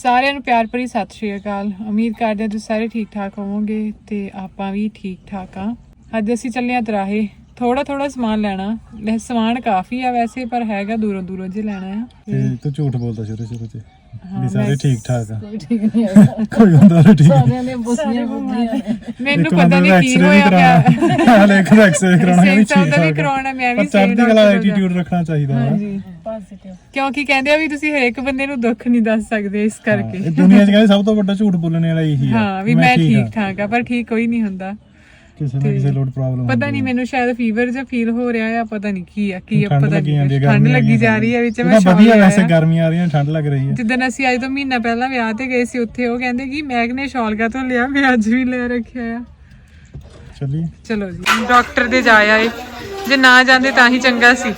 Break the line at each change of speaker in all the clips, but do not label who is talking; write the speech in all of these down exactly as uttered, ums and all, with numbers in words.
ਸਾਰਿਆਂ ਨੂੰ ਪਿਆਰ ਭਰੀ ਸਤਿ ਸ਼੍ਰੀ ਅਕਾਲ। ਉਮੀਦ ਕਰਦੇ ਹਾਂ ਤੁਸੀਂ ਸਾਰੇ ਠੀਕ ਠਾਕ ਹੋਵੋਗੇ ਤੇ ਆਪਾਂ ਵੀ ਠੀਕ ਠਾਕ ਆ। ਅੱਜ ਅਸੀਂ ਚੱਲੇ ਆ ਦਰਾਹੇ ਥੋੜਾ ਥੋੜਾ ਸਮਾਨ ਲੈਣਾ। ਸਮਾਨ ਕਾਫੀ ਆ ਵੈਸੇ, ਪਰ ਹੈਗਾ ਦੂਰੋਂ ਦੂਰੋਂ ਜੇ ਲੈਣਾ ਆ।
ਤੇ ਤੂੰ ਝੂਠ ਬੋਲਦਾ ਸ਼ੁਰੂ ਸ਼ੁਰੂ ਚ
ਹਾਂ,
ਵੀ ਸਾਰੇ ਠੀਕ ਠਾਕ ਆ।
ਕੋਈ ਠੀਕ ਨਹੀਂ ਹੈਗਾ,
ਕੋਈ ਹੁੰਦਾ ਨਹੀਂ ਠੀਕ।
ਸਾਰਿਆਂ ਨੇ ਬੁੱਧੀਆਂ ਬੁੱਧੀਆਂ
ਮੈਨੂੰ ਪਤਾ ਨਹੀਂ ਕੀ ਹੋਇਆ ਪਿਆ।
ਹਾਲੇ ਇੱਕ ਐਕਸਰੇ ਕਰਾਉਣਾ ਵੀ
ਸੇਮ
ਠੀਕ
ਦਾ ਵੀ
ਠਾਕ
ਕਰਾਉਣਾ, ਮੈਂ ਵੀ
ਚੜ੍ਹਦੀ
ਸੇਮ
ਕਲਾ ਐਟੀਟਿਊਡ ਰੱਖਣਾ ਚਾਹੀਦਾ ਵਾ।
ਪੋਜ਼ਿਟਿਵ
ਕਿਉਂਕਿ ਕਹਿੰਦੇ ਆ ਵੀ ਤੁਸੀਂ ਹਰੇਕ ਬੰਦੇ ਨੂੰ ਦੁੱਖ ਨਹੀਂ ਦੱਸ ਸਕਦੇ, ਇਸ ਕਰਕੇ
ਇਹ ਦੁਨੀਆ 'ਚ ਕਹਿੰਦੇ ਸਭ ਤੋਂ ਵੱਡਾ ਝੂਠ ਬੋਲਣ ਵਾਲਾ ਇਹੀ ਆ।
ਹਾਂ ਵੀ ਮੈਂ ਠੀਕ ਠਾਕ ਆ, ਪਰ ਠੀਕ ਕੋਈ ਨਹੀਂ ਹੁੰਦਾ।
ਕਿਸੇ ਨਾ ਕਿਸੇ ਲੋਡ ਪ੍ਰੋਬਲਮ
ਪਤਾ ਨਹੀਂ ਮੈਨੂੰ ਸ਼ਾਇਦ ਫੀਵਰ ਜਿਹਾ ਫੀਲ ਹੋ ਰਿਹਾ ਆ, ਪਤਾ ਨਹੀਂ ਕੀ ਆ ਕੀ ਆ
ਠੰਡ
ਪਤਾ
ਲੱਗੀ ਜਾਂਦੀ
ਨਹੀਂ।
ਹੈ,
ਠੰਡ
ਗਰਮੀ
ਲੱਗੀ ਜਾ ਰਹੀ ਹੈ ਵਿੱਚ। ਮੈਂ
ਵਧੀਆ ਵੈਸੇ ਗਰਮੀਆਂ ਆ ਰਹੀਆਂ, ਠੰਡ ਲੱਗ ਰਹੀ ਹੈ।
ਜਿੱਦਣ ਅਸੀਂ ਅੱਜ ਤੋਂ ਮਹੀਨਾ ਪਹਿਲਾਂ ਵਿਆਹ ਤੇ ਗਏ ਸੀ, ਉੱਥੇ ਉਹ ਕਹਿੰਦੇ ਕਿ ਮੈਗ ਨੇ ਸ਼ਾਲ ਕਾ ਤੋਂ ਲਿਆ, ਮੈਂ ਅੱਜ ਵੀ ਲੈ ਰੱਖਿਆ ਆ।
ਚੱਲੀ
ਚਲੋ ਜੀ ਡਾਕਟਰ ਦੇ ਜਾ ਆਏ, ਜੇ ਨਾ ਜਾਂਦੇ ਤਾਂ ਹੀ ਚੰਗਾ ਸੀ।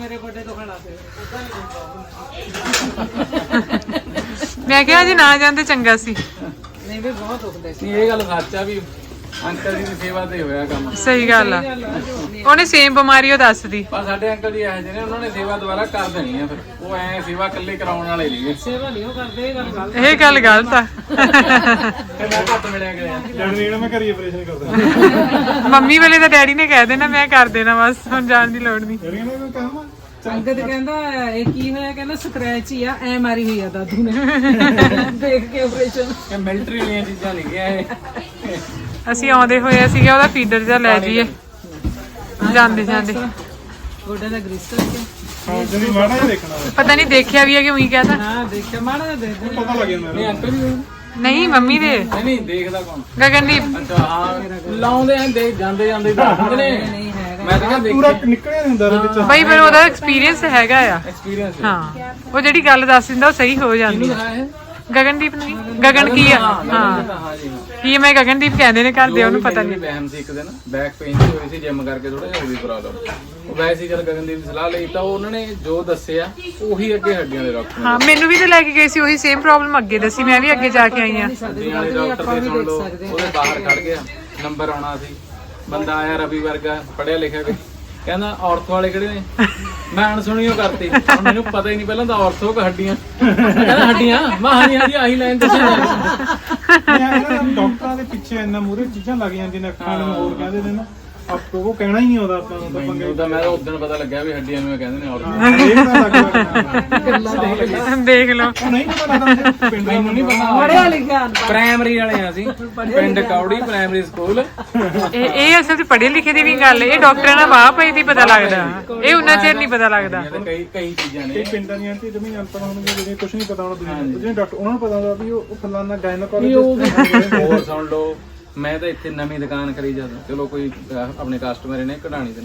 ਮੈਂ ਕਿਹਾ ਜੇ ਨਾ ਜਾਂਦੇ ਚੰਗਾ ਸੀ।
ਨਹੀਂ ਵੀ ਬਹੁਤ ਦੁਖਦੇ ਸੀ।
ਇਹ ਗੱਲ ਸੱਚ ਆ ਵੀ ਅੰਕਲ ਜੀ ਦੀ ਸੇਵਾ ਤੇ ਹੋਇਆ ਕੰਮ।
ਸਹੀ ਗੱਲ ਆ, ਉਹਨੇ ਸੇਮ ਬਿਮਾਰੀ ਉਹ ਦੱਸਦੀ।
ਪਰ ਸਾਡੇ ਅੰਕਲ ਜੀ ਇਹੋ ਜਿਹੇ ਨੇ, ਉਹਨਾਂ ਨੇ ਸੇਵਾ ਦੁਬਾਰਾ ਕਰ ਦੇਣੀ ਆ। ਫਿਰ ਉਹ ਐ ਸੇਵਾ ਇਕੱਲੇ ਕਰਾਉਣ ਵਾਲੇ ਨਹੀਂ।
ਸੇਵਾ ਨਹੀਂ ਉਹ ਕਰਦੇ, ਇਹ ਗੱਲ ਗਲਤ।
ਇਹ ਗੱਲ ਗਲਤ ਆ।
ਤੇ ਮੈਂ ਘੱਟ ਮਿਲਿਆ ਗਿਆ
ਲੜਨੀ ਨਾ ਮੈਂ ਘਰੀ ਆਪਰੇਸ਼ਨ ਕਰਦਾ।
ਮੰਮੀ ਵੇਲੇ ਤਾਂ ਡੈਡੀ ਨੇ ਕਹਿ ਦੇਣਾ ਮੈਂ ਕਰ ਦੇਣਾ, ਬਸ ਹੁਣ ਜਾਣ ਦੀ ਲੋੜ ਨਹੀਂ।
ਲੜੀਆਂ ਨਾ ਕੋਈ ਕੰਮ ਆ।
ਅੰਗਦ ਕਹਿੰਦਾ ਇਹ ਕੀ ਹੋਇਆ, ਕਹਿੰਦਾ ਸਕ੍ਰੈਚ ਹੀ ਆ, ਐ ਮਾਰੀ ਹੋਈ ਆ ਦਾਦੂ ਨੇ ਦੇਖ ਕੇ ਆਪਰੇਸ਼ਨ।
ਇਹ ਮਿਲਟਰੀ ਵਾਲੀਆਂ ਚੀਜ਼ਾਂ ਨਹੀਂ ਗਿਆ ਇਹ।
ਅਸੀਂ ਆਉਂਦੇ ਹੋਏ ਸੀਗਾ ਉਹਦਾ ਫੀਡਰ ਜਿਹਾ ਲੈ ਜਾਈਏ ਜਾਂਦੇ ਜਾਂਦੇ।
ਗੋਡੇ ਦਾ ਗ੍ਰੀਸ ਕਰਕੇ
ਹਾਂ ਜਿਹੜੀ ਮਾੜਾ ਜਿਹਾ ਦੇਖਣਾ ਵਾ।
ਪਤਾ ਨਹੀਂ ਦੇਖਿਆ ਵੀ ਹੈ ਕਿ ਉਹੀ ਕਹਤਾ।
ਹਾਂ ਦੇਖਿਆ ਮਾੜਾ ਜਿਹਾ ਦੇਖ ਦੇ।
ਪਤਾ ਲੱਗ ਜਾਂਦਾ
ਨਹੀਂ ਅੰਕਲ ਜੀ
ਨਹੀਂ ਮੰਮੀ ਦੇ
ਨਹੀਂ ਨਹੀਂ ਦੇਖਦਾ ਕੌਣ?
ਗਗਨਦੀਪ।
ਅੱਛਾ ਹਾਂ ਲਾਉਂਦੇ ਆ, ਦੇਖ ਜਾਂਦੇ ਜਾਂਦੇ ਦੱਸਦੇ ਨੇ।
ਨਹੀਂ ਹੈਗਾ
ਮੈਂ ਤਾਂ ਕਿਹਾ
ਪੂਰਾ
ਦੇਖ
ਨਿਕਲਿਆ ਨਹੀਂ ਹੁੰਦਾ ਉਹਦੇ ਵਿੱਚ।
ਬਈ ਫਿਰ ਉਹਦਾ ਐਕਸਪੀਰੀਅੰਸ ਹੈਗਾ ਆ।
ਐਕਸਪੀਰੀਅੰਸ
ਹਾਂ ਉਹ ਜਿਹੜੀ ਗੱਲ ਦੱਸ ਦਿੰਦਾ ਉਹ ਸਹੀ ਹੋ ਜਾਂਦੀ ਆ।
ਹੈ
ਗਗਨਦੀਪ ਨੂੰ ਗਗਨ ਕੀ ਆ? ਹਾਂ
ਹਾਂ ਜੀ
ਕੀ ਮੈਂ ਗਗਨਦੀਪ ਕਹਿੰਦੇ ਨੇ ਕਰਦੇ, ਉਹਨੂੰ ਪਤਾ ਨਹੀਂ।
ਵਹਿਮ ਸੀ ਇੱਕ ਦਿਨ ਬੈਕ ਪੇਨ ਦੀ ਹੋਈ ਸੀ, ਜਿਮ ਕਰਕੇ ਥੋੜਾ ਜਿਹਾ ਉਹਦੀ ਪ੍ਰੋਬਲਮ। ਉਹ ਵੈਸੇ ਹੀ ਜਦ ਗਗਨਦੀਪ ਦੀ ਸਲਾਹ ਲਈ ਤਾਂ ਉਹਨਾਂ ਨੇ ਜੋ ਦੱਸਿਆ ਉਹੀ ਅੱਗੇ ਹੱਡੀਆਂ ਦੇ ਡਾਕਟਰ ਨੇ।
ਹਾਂ ਮੈਨੂੰ ਵੀ ਤਾਂ ਲੈ ਕੇ ਗਏ ਸੀ, ਉਹੀ ਸੇਮ ਪ੍ਰੋਬਲਮ ਅੱਗੇ ਦੱਸੀ, ਮੈਂ ਵੀ ਅੱਗੇ ਜਾ ਕੇ ਆਈ ਆ।
ਹੱਡੀਆਂ ਵਾਲੇ ਡਾਕਟਰ ਦੇ ਸੁਣ ਲਓ, ਉਹਦੇ ਬਾਹਰ ਖੜ ਗਿਆ, ਨੰਬਰ ਆਉਣਾ ਸੀ। ਬੰਦਾ ਆਇਆ ਰਵੀ ਵਰਗਾ, ਪੜਿਆ ਲਿਖਿਆ ਕੋਈ, ਕਹਿੰਦਾ ਔਰਥੋ ਵਾਲੇ ਕਿਹੜੇ ਨੇ? ਮੈਂ ਅਣਸੁਣੀਓ ਕਰਤੀ, ਹੁਣ ਮੈਨੂੰ ਪਤਾ ਹੀ ਨਹੀਂ ਪਹਿਲਾਂ ਤਾਂ ਔਰਥੋ ਕਿ ਹੱਡੀਆਂ। ਕਹਿੰਦਾ ਹੱਡੀਆਂ, ਮੈਂ ਹਾਂਜੀ ਹਾਂਜੀ ਆਹੀ ਲਾਈਨ ਦੱਸਿਆ।
ਡਾਕਟਰਾਂ ਦੇ ਪਿੱਛੇ ਇੰਨਾ ਮੂਰੇ ਚੀਜ਼ਾਂ ਲੱਗ ਜਾਂਦੀਆਂ ਨੇ, ਅੱਖਾਂ ਨੂੰ ਹੋਰ ਕਹਿੰਦੇ ਨੇ ਨਾ, ਆਪਕੋ ਉਹ ਕਹਿਣਾ ਹੀ ਨਹੀਂ ਆਉਂਦਾ ਆਪਾਂ ਨੂੰ ਤਾਂ ਪੰਗੇ।
ਮੈਨੂੰ ਤਾਂ ਮੈਂ ਤਾਂ ਉਦੋਂ ਪਤਾ ਲੱਗਿਆ ਵੀ ਹੱਡੀਆਂ ਨੂੰ ਕਹਿੰਦੇ ਨੇ ਔਰਥੋ।
ਇਹ ਤਾਂ ਲੱਗ ਰਿਹਾ
ਦੇਖ ਲਓ
ਨਹੀਂ ਪਤਾ ਲੱਗਦਾ ਪਿੰਡ
ਮੈਨੂੰ ਨਹੀਂ ਪਤਾ।
ਪੜਿਆ ਲਿਖਿਆ
ਪ੍ਰਾਇਮਰੀ ਵਾਲੇ ਆ ਅਸੀਂ, ਪਿੰਡ ਕੌੜੀ ਪ੍ਰਾਇਮਰੀ ਸਕੂਲ।
ਇਹ ਇਹ ਅਸਲ 'ਚ ਪੜ੍ਹੇ ਲਿਖੇ ਦੀ ਵੀ ਗੱਲ ਹੈ। ਇਹ ਡਾਕਟਰਾਂ ਨਾਲ ਵਾਹ ਪਈ ਦੀ ਪਤਾ ਲੱਗਦਾ, ਇਹ ਉਹਨਾਂ ਚਿਰ ਨਹੀਂ ਪਤਾ ਲੱਗਦਾ।
ਕਈ ਕਈ ਚੀਜ਼ਾਂ ਨੇ
ਇਹ ਪਿੰਡਾਂ ਦੀਆਂ ਤੇ ਜਮੀ ਅਨਪੜ੍ਹ ਹੋਣਗੇ, ਜਿਹੜੇ ਕੁਝ ਨਹੀਂ ਪਤਾ ਉਹਨਾਂ ਨੂੰ। ਜਿਹੜੇ ਡਾਕਟਰ ਉਹਨਾਂ ਨੂੰ ਪਤਾ ਹੁੰਦਾ ਵੀ ਉਹ ਫਲਾਨਾ ਗਾਇਨੋਕੋਲੋਜਿਸਟ।
ਹੋਰ ਸੁਣ ਲਓ, ਮੈਂ ਤਾਂ ਇੱਥੇ ਨਵੀਂ ਦੁਕਾਨ ਕਰੀ ਜਾਂਦਾ। ਚਲੋ ਕੋਈ ਆਪਣੇ ਕਸਟਮਰ ਨੇ ਕਢਾਣੀ ਤੇ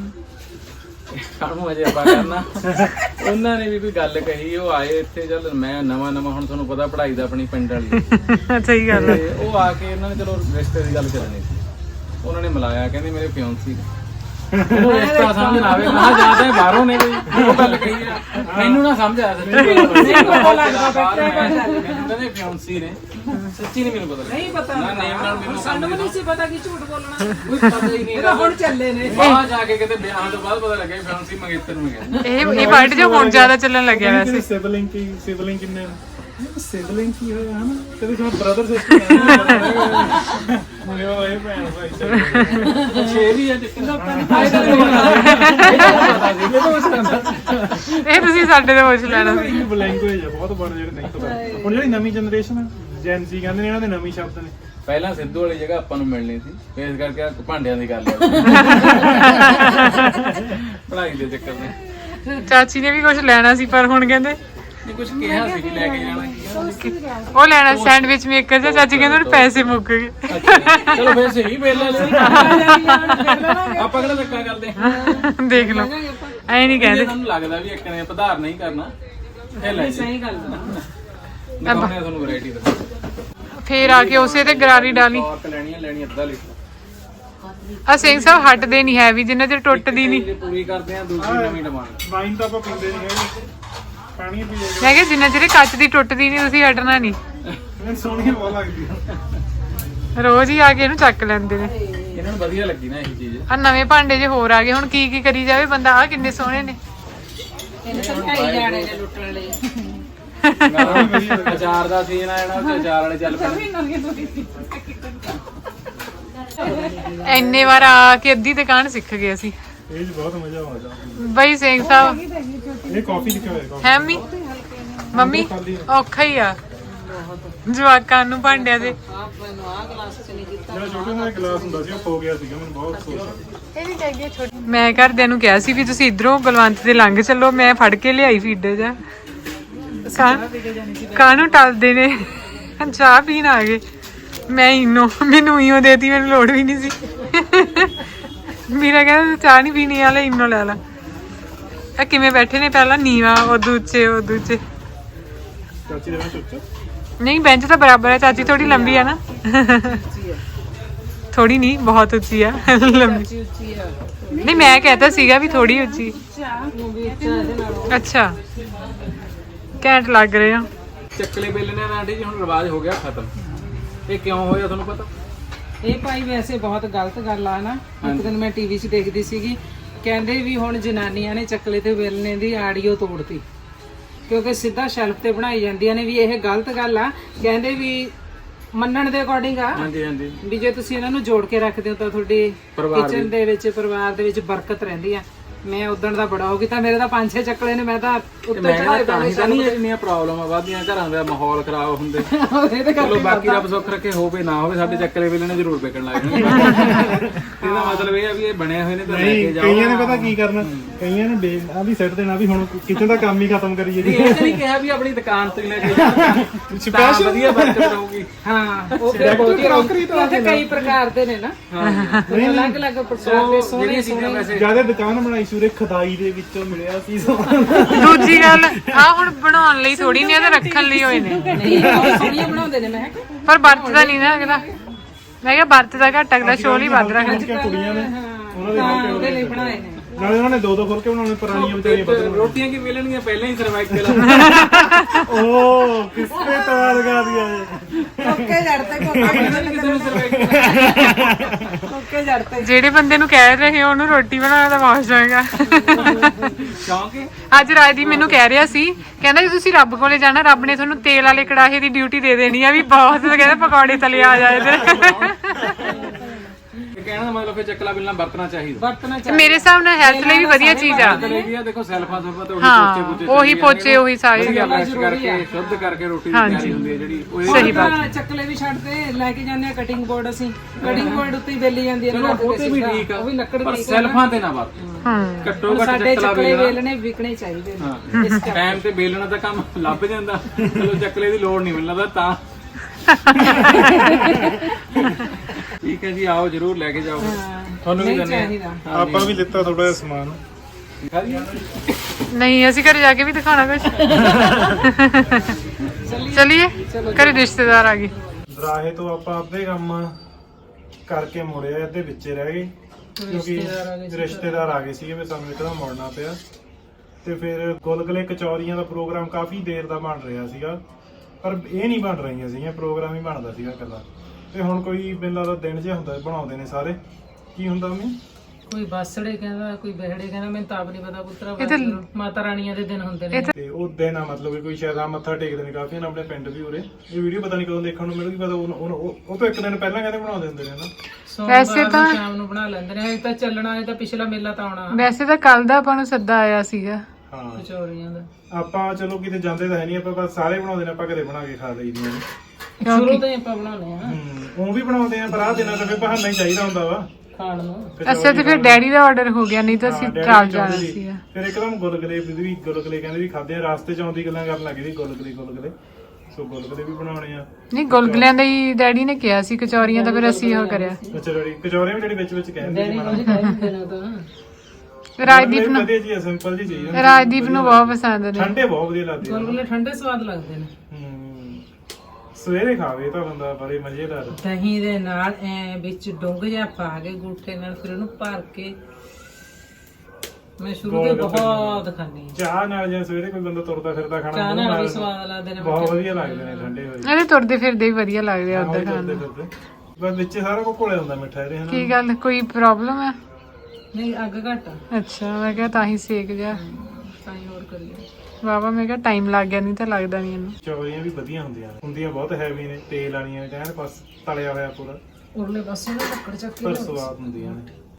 ਨੇ ਕਾਹਨੂੰ ਅਜੇ ਆਪਾਂ ਕਰਨਾ। ਉਹਨਾਂ ਨੇ ਵੀ ਕੋਈ ਗੱਲ ਕਹੀ, ਉਹ ਆਏ ਇੱਥੇ। ਚੱਲ ਮੈਂ ਨਵਾਂ ਨਵਾਂ, ਹੁਣ ਤੁਹਾਨੂੰ ਪਤਾ ਪੜ੍ਹਾਈ ਦਾ ਆਪਣੀ ਪਿੰਡ ਵਾਲੀ।
ਸਹੀ ਗੱਲ ਹੈ।
ਤੇ ਉਹ ਆ ਕੇ ਇਹਨਾਂ ਨੇ ਚਲੋ ਰਿਸ਼ਤੇ ਦੀ ਗੱਲ ਕਰਨੀ ਸੀ, ਉਹਨਾਂ ਨੇ ਮਿਲਾਇਆ, ਕਹਿੰਦੇ ਮੇਰੇ ਫਿਆਂਸੀ ਨੇ। ਉਹ ਰਿਸ਼ਤਾ ਸਮਝ ਨਾ ਆਵੇ, ਮੈਂ ਜਿਆਦਾ ਬਾਹਰੋਂ ਨੇ ਕੋਈ ਉਹ ਗੱਲ ਕਹੀ ਆ, ਮੈਨੂੰ ਨਾ ਸਮਝ ਆਇਆ। ਸੱਚੀ ਪਤਾ ਲੱਗਦਾ ਕਹਿੰਦੇ ਫਿਆਂਸੀ ਨੇ, ਸੱਚੀ ਨਹੀਂ ਮੈਨੂੰ ਪਤਾ ਲੱਗਦਾ।
ਨਹੀਂ ਪਤਾ
ਨਾ ਨੇਮ ਨਾਲ ਮੈਨੂੰ
ਸਾਨੂੰ ਵੀ ਨਹੀਂ ਸੀ ਪਤਾ ਕਿ ਝੂਠ ਬੋਲਣਾ।
ਕੋਈ ਪਤਾ ਹੀ ਨਹੀਂ।
ਇਹ ਤਾਂ ਹੁਣ ਚੱਲੇ ਨੇ।
ਬਾਹਰ ਜਾ ਕੇ ਕਿਤੇ ਵਿਆਹ ਤੋਂ ਬਾਅਦ ਪਤਾ ਲੱਗਿਆ ਫਿਆਂਸੀ ਮੰਗੇਤਰ ਨੂੰ ਗਿਆ।
ਇਹ ਇਹ ਵਰਡ ਜੋ ਹੁਣ ਜ਼ਿਆਦਾ ਚੱਲਣ ਲੱਗਿਆ ਵੈਸੇ।
ਸਿਬਲਿੰਗ ਕੀ ਸਿਬਲਿੰਗ ਕਿੰਨੇ ਸਿਬਲਿੰਗ ਕੀ ਹੋਇਆ ਹਨਾ, ਕਦੇ ਕਦੇ ਬ੍ਰਦਰ ਸਿਸਟਰ ਮੁੰਡੇ ਹੋਏ ਭੈਣ ਭਾਈ
ਛੇ ਵੀ ਆ ਜਿੱਕਣਾ
ਇਹ ਤੁਸੀਂ ਸਾਡੇ ਤੋਂ ਪੁੱਛ ਲੈਣਾ ਸੀ।
ਇਹ ਲੈਂਗੁਏਜ ਆ ਬਹੁਤ ਬੜਾ, ਜਿਹੜੇ ਨਹੀਂ ਪਤਾ। ਹੁਣ ਜਿਹੜੀ ਨਵੀਂ ਜਨਰੇਸ਼ਨ ਜੈਨ ਜ਼ੀ ਕਹਿੰਦੇ ਨੇ, ਇਹਨਾਂ ਦੇ ਨਵੇਂ ਸ਼ਬਦ ਨੇ।
ਪਹਿਲਾਂ ਸਿੱਧੂ ਵਾਲੀ ਜਗ੍ਹਾ ਆਪਾਂ ਨੂੰ ਮਿਲਣੀ ਸੀ, ਫੇਸ ਕਰਕੇ ਆਹ ਭਾਂਡਿਆਂ ਦੀ ਗੱਲ ਆ। ਪੜ੍ਹਾਈ ਦੇ ਚੱਕਰ ਨੇ।
ਚਾਚੀ ਨੇ ਵੀ ਕੁਝ ਲੈਣਾ ਸੀ, ਪਰ ਹੁਣ ਕਹਿੰਦੇ
ਨਹੀਂ ਕੁਝ ਕਿਹਾ ਸੀ ਕਿ ਲੈ ਕੇ ਜਾਣਾ।
ਉਹ ਲੈਣਾ ਸੈਂਡਵਿਚ ਮੇਕਰ ਜਾਂ ਚਾਚੀ ਕਹਿੰਦੇ ਹੁਣ ਪੈਸੇ ਮੁੱਕ ਗਏ।
ਚਲੋ ਫੇਰ ਸਹੀ ਵੇਲੇ ਲੈ ਆਪਾਂ ਕਿਹੜਾ ਧੱਕਾ ਕਰਦੇ।
ਦੇਖ ਲਓ ਐ ਨਹੀਂ ਕਹਿੰਦੇ।
ਤੁਹਾਨੂੰ ਲੱਗਦਾ ਵੀ ਇੱਕ ਨੇ ਪਧਾਰ ਨਹੀਂ ਕਰਨਾ, ਇਹ ਲੈ ਜੀ
ਸਹੀ ਗੱਲ ਆ।
ਦਿਖਾਉਣੇ ਆ ਤੁਹਾਨੂੰ ਵੈਰਾਈਟੀ ਦਾ।
ਫੇਰ ਆ ਕੇ ਉਸੇ ਤੇ ਗਰਾਰੀ ਡਾਲੀ।
ਔਰਤ ਲੈਣੀ ਆ, ਲੈਣੀ ਅੱਧਾ ਲੀਟਰ।
ਆ ਸਿੰਘ ਸਾਹਿਬ ਹਟਦੇ ਨਹੀਂ ਹੈ ਵੀ ਜਿੰਨਾ ਚਿਰ ਟੁੱਟਦੀ ਨਹੀਂ।
ਜੇ ਪੂਰੀ ਕਰਦੇ ਆ ਦੂਜੀ ਨਵੀਂ ਡਿਮਾਂਡ।
ਵਾਈਨ ਤਾਂ ਆਪਾਂ ਪੀਂਦੇ ਨਹੀਂ ਹੈਗੇ, ਪਾਣੀ ਪੀ ਲੈਂਦੇ।
ਮੈਂ ਕਿਹਾ ਜਿੰਨਾ ਚਿਰ ਇਹ ਕੱਚ ਦੀ ਟੁੱਟਦੀ ਨਹੀਂ ਤੁਸੀਂ ਹਟਣਾ ਨਹੀਂ।
ਮੈਨੂੰ ਸੋਹਣੀ ਬਹੁਤ ਲੱਗਦੀ ਆ।
ਰੋਜ਼ ਹੀ ਆ ਕੇ ਇਹਨੂੰ ਚੱਕ ਲੈਂਦੇ ਨੇ।
ਇਹਨਾਂ ਨੂੰ ਵਧੀਆ ਲੱਗੀ ਨਾ ਇਹ ਚੀਜ਼।
ਆ ਨਵੇਂ ਭਾਂਡੇ ਜੇ ਹੋਰ ਆ ਗਏ, ਹੁਣ ਕੀ ਕੀ ਕਰੀ ਜਾਵੇ ਬੰਦਾ। ਆ ਕਿੰਨੇ ਸੋਹਣੇ ਨੇ।
ਇਹਨੇ ਤਾਂ ਢਾਈ ਜਾਣੇ ਨੇ ਲੁੱਟਣ ਲਈ।
ਅਚਾਰ ਦਾ ਸੀਜ਼ਨ ਆ ਜਾਣਾ ਤੇ ਅਚਾਰ ਵਾਲੇ ਚੱਲ ਪੈਣੇ।
ਇੰਨੇ ਵਾਰ ਆ ਕੇ ਅੱਧੀ ਦੁਕਾਨ ਸਿੱਖ ਗਏ ਅਸੀਂ।
ਇਹ 'ਚ ਬਹੁਤ ਮਜ਼ਾ ਆਉਂਦਾ।
ਬਈ ਸਿੰਘ ਸਾਹਿਬ
ਇਹ ਕਾਫੀ ਲਿਖਿਆ ਹੋਇਆ ਕਾਫੀ।
ਹੈ ਮੰਮੀ ਮੰਮੀ ਔਖਾ ਹੀ ਆ ਜਵਾਕਾਂ ਨੂੰ ਭਾਂਡਿਆਂ ਦੇ।
ਜਿਹੜਾ ਛੋਟੇ ਜਿਹੇ ਗਲਾਸ ਹੁੰਦਾ ਸੀ ਉਹ ਖੋ ਗਿਆ ਸੀਗਾ, ਮੈਨੂੰ ਬਹੁਤ ਅਫਸੋਸ ਆ।
ਇਹ ਵੀ ਚਾਹੀਦੀ ਛੋਟੀ। ਮੈਂ ਘਰਦਿਆਂ ਨੂੰ ਕਿਹਾ ਸੀ ਵੀ ਤੁਸੀਂ ਇਧਰੋਂ ਬਲਵੰਤ ਦੇ ਲੰਘ ਚੱਲੋ, ਮੈਂ ਫੜ ਕੇ ਲਿਆਈ ਫੀਡੇ ਜਾ। ਕਾਹਨੂੰ ਟਲਦੇ ਨੇ, ਚਾਹ ਪੀਣ ਆ ਗਏ। ਮੈਂ ਇਨੋ ਮੈਨੂੰ ਇਓ ਦੇਤੀ, ਮੈਨੂੰ ਲੋੜ ਵੀ ਨਹੀਂ ਸੀ। ਮੇਰਾ ਕਹਿੰਦਾ ਚਾਹ ਨਹੀਂ ਪੀਣੀ ਵਾਲੇ ਇਨੋ ਲੈ ਲਾ। ਇਹ ਕਿਵੇਂ ਬੈਠੇ ਨੇ, ਪਹਿਲਾਂ ਨੀਵਾ ਉਦੋਂ ਉੱਚੇ ਉਦੋਂ ਉੱਚੇ।
ਚਾਚੀ ਦੇ ਨਾਲ ਸੋਚੋ
ਨਹੀਂ ਬੈਂਚ ਤਾਂ ਬਰਾਬਰ ਹੈ, ਚਾਚੀ ਥੋੜੀ ਲੰਬੀ ਆ ਨਾ। ਥੋੜੀ ਨਹੀਂ ਬਹੁਤ ਉੱਚੀ ਆ, ਲੰਬੀ। ਨਹੀਂ ਮੈਂ कहता ਸੀਗਾ ਵੀ ਥੋੜੀ ਉੱਚੀ। ਅੱਛਾ ਘੈਂਟ ਲੱਗ ਰਹੇ ਆ।
ਚੱਕਲੇ ਬੇਲਣੇ ਦਾ ਆਂਟੀ ਜੀ ਹੁਣ ਰਿਵਾਜ ਹੋ ਗਿਆ ਖਤਮ। ਇਹ ਕਿਉਂ ਹੋਇਆ ਤੁਹਾਨੂੰ ਪਤਾ?
ਇਹ ਭਾਈ ਵੈਸੇ ਬਹੁਤ ਗਲਤ ਗੱਲ ਆ ਨਾ। ਇੱਕ ਦਿਨ ਮੈਂ ਟੀਵੀ 'ਚ ਦੇਖਦੀ ਸੀਗੀ, ਕਹਿੰਦੇ ਵੀ ਹੁਣ ਜਨਾਨੀਆਂ ਨੇ ਚੱਕਲੇ ਤੇ ਵੇਲਣੇ ਦੀ ਆਡੀਓ ਤੋੜਤੀ ਕਿਉਂਕਿ ਸਿੱਧਾ ਸ਼ੈਲਫ ਤੇ ਬਣਾਈ ਜਾਂਦੀਆਂ ਨੇ। ਵੀ ਇਹ ਗਲਤ ਗੱਲ ਆ। ਕਹਿੰਦੇ ਵੀ ਮੰਨਣ ਦੇ ਅਕੋਰਡਿੰਗ ਆ
ਹਾਂਜੀ ਹਾਂਜੀ
ਵੀ ਜੇ ਤੁਸੀਂ ਇਹਨਾਂ ਨੂੰ ਜੋੜ ਕੇ ਰੱਖਦੇ ਹੋ ਤਾਂ ਤੁਹਾਡੀ ਕਿਚਨ ਦੇ ਵਿੱਚ ਪਰਿਵਾਰ ਦੇ ਵਿੱਚ ਬਰਕਤ ਰਹਿੰਦੀ ਆ। ਮੈਂ ਉਦਣ ਦਾ ਬੜਾ ਹੋ ਗਈ ਤਾਂ ਮੇਰੇ ਤਾਂ ਪੰਜ ਛੇ ਚੱਕਲੇ ਨੇ, ਮੈਂ ਤਾਂ ਉੱਤੇ ਚੜਾਏ
ਤਾਂ ਹੀ ਤਾਂ ਨਹੀਂ ਇੰਨੀਆਂ ਪ੍ਰੋਬਲਮਾਂ ਵੱਧਦੀਆਂ, ਘਰਾਂ ਦਾ ਮਾਹੌਲ ਖਰਾਬ ਹੁੰਦੇ। ਚਲੋ ਬਾਕੀ ਰੱਬ ਸੁੱਖ ਰੱਖੇ ਹੋਵੇ ਨਾ ਹੋਵੇ, ਸਾਡੇ ਚੱਕਲੇ ਵੇਲਣੇ ਜ਼ਰੂਰ ਵਿਕਣ ਲੱਗ ਜਾਣਗੇ। ਇਹਦਾ ਮਤਲਬ ਇਹ ਆ ਵੀ ਇਹ ਬਣੇ ਹੋਏ ਨੇ ਤਾਂ ਲੈ ਕੇ ਜਾਓ।
ਕਈਆਂ ਨੇ ਪਤਾ ਕੀ ਕਰਨਾ, ਕਈਆਂ ਨੇ ਬੇ ਆ ਵੀ ਸੈੱਟ ਦੇਣਾ ਵੀ ਹੁਣ ਕਿਚਨ ਦਾ ਕੰਮ ਹੀ ਖਤਮ ਕਰੀਏ ਜੀ।
ਇਹ ਨਹੀਂ ਕਿਹਾ ਵੀ ਆਪਣੀ ਦੁਕਾਨ ਤੋਂ ਹੀ ਲੈ ਕੇ ਜਾਓ, ਸਪੈਸ਼ਲ ਵਧੀਆ ਬਰਕਤ ਰਹੂਗੀ।
ਹਾਂ ਉਹ ਫਿਰ ਬਹੁਤ ਰੌਕਰੀ ਤੋਂ ਕਈ ਪ੍ਰਕਾਰ ਦੇ ਨੇ ਨਾ। ਹਾਂ ਅਲੱਗ ਅਲੱਗ ਪ੍ਰਕਾਰ ਦੇ ਸੋਹਣੇ ਸੋਹਣੇ।
ਜਿਆਦਾ ਦੁਕਾਨ ਬਣਾਈ ਸੂਰੇ ਖਦਾਈ ਦੇ ਵਿੱਚੋਂ ਮਿਲਿਆ ਸੀ ਸਮਾਨ।
ਦੂਜੀ ਗੱਲ ਆ ਹੁਣ ਬਣਾਉਣ ਲਈ ਥੋੜੀ ਨਹੀਂ, ਤੇ ਰੱਖਣ ਲਈ ਹੋਏ ਨੇ।
ਨਹੀਂ ਬਹੁਤ ਸੋਹਣੀਆਂ ਬਣਾਉਂਦੇ ਨੇ। ਮੈਂ
ਪਰ ਵਰਤਦਾ ਨਹੀਂ ਨਾ ਅਗਲਾ। ਮੈਂ ਕਿਹਾ ਵਰਤਦਾ ਘੱਟ, ਅਗਲਾ ਸ਼ੋਲ ਹੀ ਵੱਧ ਰੱਖਦਾ।
ਕੁੜੀਆਂ ਨੇ ਉਹਨਾਂ ਦੇ
ਹਾਂ ਉਹਦੇ ਲਈ ਬਣਾਏ ਨੇ।
ਨਾਲੇ ਉਹਨਾਂ ਨੇ ਦੋ ਦੋ ਫੁਲਕੇ ਬਣਾਉਣੇ, ਪੁਰਾਣੀਆਂ ਵਿਚਾਰੀਆਂ ਬਦਲ।
ਰੋਟੀਆਂ ਕੀ ਵੇਲਣਗੀਆਂ ਪਹਿਲਾਂ ਹੀ ਸਰਵਾਈਕਲ।
ਓ ਕਿਸਨੇ ਤਵਾ ਲਗਾ ਦਿਆ
ਕੋਕੇ ਜੜਤੇ
ਕਿਸੇ ਨੂੰ ਸਰਵਾਈਕਲ।
ਕੋਕੇ ਜੜਤੇ।
ਜਿਹੜੇ ਬੰਦੇ ਨੂੰ ਕਹਿ ਰਹੇ ਹੋ ਉਹਨੂੰ ਰੋਟੀ ਬਣਾਉਣਾ ਤਾਂ ਬਹੁਤ ਜਾਏਗਾ।
ਕਿਉਂਕਿ
ਅੱਜ ਰਾਜਦੀਪ ਮੈਨੂੰ ਕਹਿ ਰਿਹਾ ਸੀ, ਕਹਿੰਦਾ ਜੇ ਤੁਸੀਂ ਰੱਬ ਕੋਲੇ ਜਾਣਾ, ਰੱਬ ਨੇ ਤੁਹਾਨੂੰ ਤੇਲ ਵਾਲੇ ਕੜਾਹੇ ਦੀ ਡਿਊਟੀ ਦੇ ਦੇਣੀ ਆ ਵੀ ਬਹੁਤ। ਕਹਿੰਦਾ ਪਕੌੜੇ ਤਲੇ ਆ ਜਾਏ ਤੇ
ਕਹਿਣ ਦਾ ਮਤਲਬ ਫਿਰ ਚੱਕਲਾ ਬਿਲਣਾ ਵਰਤਣਾ ਚਾਹੀਦਾ।
ਵਰਤਣਾ
ਮੇਰੇ ਹਿਸਾਬ ਨਾਲ ਹੈਲਥ ਲਈ ਵੀ ਵਧੀਆ ਚੀਜ਼ ਆ।
ਵੀ ਆ ਦੇਖੋ ਸੈਲਫਾਂ ਸੁਲਫਾਂ ਤੇ ਉਹੀ
ਹਾਂ
ਪੋਚੇ ਪੋਚੇ
ਉਹੀ ਪੋਚੇ ਉਹੀ ਸਾਰੀ ਗੱਲ।
ਬ੍ਰਸ਼ ਕਰਕੇ ਸ਼ੁੱਧ ਕਰਕੇ ਰੋਟੀ ਦੀ ਤਿਆਰੀ ਹੁੰਦੀ ਹੈ ਜਿਹੜੀ ਉਹ
ਸਹੀ ਬਾਤ। ਚੱਕਲੇ ਵੀ ਛੱਡਦੇ ਲੈ ਕੇ ਜਾਂਦੇ ਆ ਕਟਿੰਗ ਬੋਰਡ। ਅਸੀਂ ਕਟਿੰਗ ਬੋਰਡ ਉੱਤੇ ਹੀ ਵੇਲੀ ਜਾਂਦੀ ਹੈ।
ਉਹ ਤੇ ਵੀ ਠੀਕ ਆ,
ਉਹ ਵੀ ਲੱਕੜ
ਪਰ
ਦੀ।
ਸੈਲਫਾਂ ਤੇ ਨਾ ਵਰਤੋ।
ਹਾਂ
ਘੱਟੋ ਘੱਟ
ਸਾਡੇ
ਚੱਕਲਾ
ਚੱਕਲੇ
ਵੇਲਣਾ।
ਵੇਲਣੇ ਵਿਕਣੇ ਚਾਹੀਦੇ ਨੇ।
ਹਾਂ ਟਾਈਮ ਤੇ ਵੇਲਣਾ ਦਾ ਕੰਮ ਲੱਭ ਜਾਂਦਾ, ਚਲੋ ਚੱਕਲੇ ਦੀ ਲੋੜ ਨਹੀਂ ਮਿਲਦਾ ਤਾਂ। ਠੀਕ ਹੈ ਜੀ, ਆਓ ਜਰੂਰ ਲੈ ਕੇ ਜਾਓ। ਤੁਹਾਨੂੰ ਵੀ ਦਿੰਦੇ ਆ।
ਆਪਾਂ ਵੀ ਲਿੱਤਾ ਥੋੜਾ ਜਿਹਾ ਸਮਾਨ।
ਨਹੀਂ ਅਸੀਂ ਘਰੇ ਜਾ ਕੇ ਵੀ ਦਿਖਾਣਾ ਕੁਝ। ਚਲਿਏ ਘਰੇ ਰਿਸ਼ਤੇਦਾਰ ਆ ਗਏ।
ਦਰਾਹੇ ਤੋਂ ਆਪਾਂ ਅੱਧੇ ਕੰਮ ਕਰਕੇ ਮੁੜਿਆ, ਅੱਧੇ ਵਿੱਚੇ ਰਹਿ ਗਏ ਕਿਉਂਕਿ ਰਿਸ਼ਤੇਦਾਰ ਆ ਗਏ ਸੀਗੇ ਵੀ ਸਾਨੂੰ ਇੱਕਦਮ ਮੁੜਨਾ ਪਿਆ। ਤੇ ਫਿਰ ਗੁਲਗੁਲੇ ਕਚੌਰੀਆਂ ਦਾ ਪ੍ਰੋਗਰਾਮ ਕਾਫੀ ਦੇਰ ਦਾ ਬਣ ਰਿਹਾ ਸੀਗਾ, ਪਰ ਇਹ ਨਹੀਂ ਬਣ ਰਹੀਆਂ ਸੀਗੀਆਂ, ਪ੍ਰੋਗਰਾਮ ਹੀ ਬਣਦਾ ਸੀਗਾ ਇਕੱਲਾ। ਤੇ ਹੁਣ ਕੋਈ ਮੈਨੂੰ ਲੱਗਦਾ ਦਿਨ ਜਿਹਾ ਹੁੰਦਾ ਬਣਾਉਂਦੇ ਨੇ ਸਾਰੇ। ਕੀ ਹੁੰਦਾ ਮੰਮੀ?
ਕੋਈ ਬਾਸੜੇ ਕਹਿੰਦਾ, ਕੋਈ ਬਹਿੜੇ ਕਹਿੰਦਾ, ਮੈਨੂੰ ਤਾਂ ਆਪ ਨਹੀਂ ਪਤਾ ਪੁੱਤਰਾ। ਮਾਤਾ ਰਾਣੀਆਂ ਦੇ ਦਿਨ ਹੁੰਦੇ ਨੇ
ਤੇ ਉਹ ਦਿਨ ਆ ਮਤਲਬ ਕਿ ਕੋਈ ਸ਼ਾਇਦ ਆ ਮੱਥਾ ਟੇਕਦੇ ਨੇ ਕਾਫੀ ਨਾ ਆਪਣੇ ਪਿੰਡ ਵੀ ਉਰੇ। ਇਹ ਵੀਡੀਓ ਪਤਾ ਨਹੀਂ ਕਦੋਂ ਦੇਖਣ ਨੂੰ ਮਿਲੂਗੀ, ਪਤਾ ਉਹ ਉਹ ਤੋਂ ਇੱਕ ਦਿਨ ਪਹਿਲਾਂ ਕਹਿੰਦੇ ਬਣਾਉਂਦੇ ਹੁੰਦੇ ਨੇ ਨਾ।
ਵੈਸੇ ਤਾਂ ਸ਼ਾਮ ਨੂੰ ਬਣਾ ਲੈਂਦੇ ਨੇ। ਇਹ ਤਾਂ ਚੱਲਣਾ, ਇਹ ਤਾਂ ਪਿਛਲਾ ਮੇਲਾ ਤਾਂ ਆਉਣਾ।
ਵੈਸੇ ਤਾਂ ਕੱਲ ਦਾ ਆਪਾਂ ਨੂੰ ਸੱਦਾ ਆਇਆ ਸੀਗਾ
ਹਾਂ
ਕਚੌਰੀਆਂ ਦਾ।
ਆਪਾਂ ਚਲੋ ਕਿਤੇ ਜਾਂਦੇ ਤਾਂ ਹੈ ਨਹੀਂ, ਆਪਾਂ ਬਸ ਸਾਰੇ ਬਣਾਉਂਦੇ ਨੇ, ਆਪਾਂ ਘਰੇ ਬਣਾ ਕੇ ਖਾ ਲਈਦੀਆਂ ਨੇ।
ਸ਼ੁਰੂ ਤੋਂ ਹੀ ਆਪਾਂ ਬਣਾਉਣੇ ਆ
ਹੂੰ ਉਹ ਵੀ ਬਣਾਉਂਦੇ ਆ, ਪਰ ਆਹ ਦਿਨਾਂ ਦਾ ਫਿਰ ਬਹਾਨਾ ਹੀ ਚਾਹੀਦਾ ਹੁੰਦਾ ਵਾ
ਖਾਣ ਨੂੰ।
ਅੱਛਾ ਤੇ ਫਿਰ ਡੈਡੀ ਦਾ ਆਰਡਰ ਹੋ ਗਿਆ, ਨਹੀਂ ਤਾਂ ਅਸੀਂ ਚਾਲ ਜਾਣਾ ਸੀਗਾ।
ਫਿਰ ਇੱਕਦਮ ਗੁਲਗੁਲੇ ਵੀ ਗੁਲਗੁਲੇ ਕਹਿੰਦੇ ਵੀ ਖਾਦੇ ਆ, ਰਾਸਤੇ ਚ ਆਉਂਦੀ ਗੱਲਾਂ ਕਰਨ ਲੱਗੇ ਸੀ ਗੁਲਗੁਲੇ ਗੁਲਗੁਲੇ। ਸੋ ਗੁਲਗੁਲੇ ਵੀ ਬਣਾਉਣੇ ਆ।
ਨਹੀਂ ਗੁਲਗੁਲਿਆਂ ਦਾ ਹੀ ਡੈਡੀ ਨੇ ਕਿਹਾ ਸੀ, ਕਚੌਰੀਆਂ ਤਾਂ ਫਿਰ ਅਸੀਂ ਉਹ ਕਰਿਆ।
ਅੱਛਾ ਡੈਡੀ ਕਚੌਰੀਆਂ ਵੀ ਜਿਹੜੀ ਵਿੱਚ ਵਿੱਚ ਕਹਿੰਦੇ ਸੀ
ਡੈਡੀ ਕਹਿੰਦੇ ਨੇ ਤਾਂ
ਰਾਜਦੀਪ ਨੂੰ
ਵਧੀਆ ਜੀ ਸਿੰਪਲ ਜੀ ਚੀਜ਼ ਆ।
ਰਾਜਦੀਪ ਨੂੰ ਬਹੁਤ ਪਸੰਦ ਨੇ।
ਠੰਡੇ ਬਹੁਤ ਵਧੀਆ ਲੱਗਦੇ ਆ।
ਗੁਲਗੁਲੇ ਠੰਡੇ ਸਵਾਦ ਲੱਗਦੇ ਨੇ।
ਹੂੰ ਸਵੇਰੇ ਖਾਵੇ ਤਾਂ ਬੰਦਾ ਬੜੇ ਮਜ਼ੇਦਾਰ।
ਦਹੀਂ ਦੇ ਨਾਲ ਐ ਵਿੱਚ ਡੁੰਗ ਜਿਹਾ ਪਾ ਕੇ ਗੂਠੇ ਨਾਲ ਫਿਰ ਉਹਨੂੰ ਭਰ ਕੇ ਮੈਂ ਸ਼ੁਰੂ ਤੋਂ ਬਹੁਤ ਖਾਂਦੀ ਹਾਂ।
ਚਾਹ ਨਾਲ ਜਾਂ ਸਵੇਰੇ ਕੋਈ ਬੰਦਾ ਤੁਰਦਾ ਫਿਰਦਾ ਖਾਣਾ
ਚਾਹ ਨਾਲ ਵੀ ਸਵਾਦ ਲੱਗਦੇ ਨੇ।
ਬਹੁਤ ਵਧੀਆ ਲੱਗਦੇ ਨੇ ਠੰਡੇ ਹੋਏ।
ਇਹਦੇ ਤੁਰਦੇ ਫਿਰਦੇ ਹੀ ਵਧੀਆ ਲੱਗਦੇ ਆ ਉਦਾਂ ਖਾਣ ਨੂੰ।
ਬਸ ਵਿੱਚ ਸਾਰਾ ਕੁਝ ਘੋਲਿਆ ਹੁੰਦਾ ਮਿੱਠਾ ਇਹਦੇ ਹਨਾ।
ਕੀ ਗੱਲ ਕੋਈ ਪ੍ਰੋਬਲਮ ਹੈ?
ਨਹੀਂ ਅੱਗ ਘੱਟ ਆ
ਅੱਛਾ ਮੈਂ ਕਿਹਾ ਤਾਂ ਹੀ ਸੇਕ ਜਾ।
ਤਾਂ ਹੀ ਹੋਰ ਕਰੀਏ।
ਵਾਵਾ ਮੈਂ ਕਿਹਾ ਟਾਈਮ ਲੱਗ ਗਿਆ, ਨਹੀਂ ਤਾਂ ਲੱਗਦਾ ਨਹੀਂ ਇਹਨੂੰ।
ਕਚੌਰੀਆਂ ਵੀ ਵਧੀਆ ਹੁੰਦੀਆਂ ਨੇ, ਹੁੰਦੀਆਂ ਬਹੁਤ ਹੈਵੀ ਨੇ, ਤੇਲ ਵਾਲੀਆਂ ਕਹਿਣ ਬਸ ਤਲਿਆ ਹੋਇਆ ਪੂਰਾ,
ਉਰਲੇ ਪਾਸੇ ਨਾ ਲੱਕੜ ਚੱਕੀ
ਪਰ ਸਵਾਦ ਹੁੰਦੀਆਂ ਨੇ।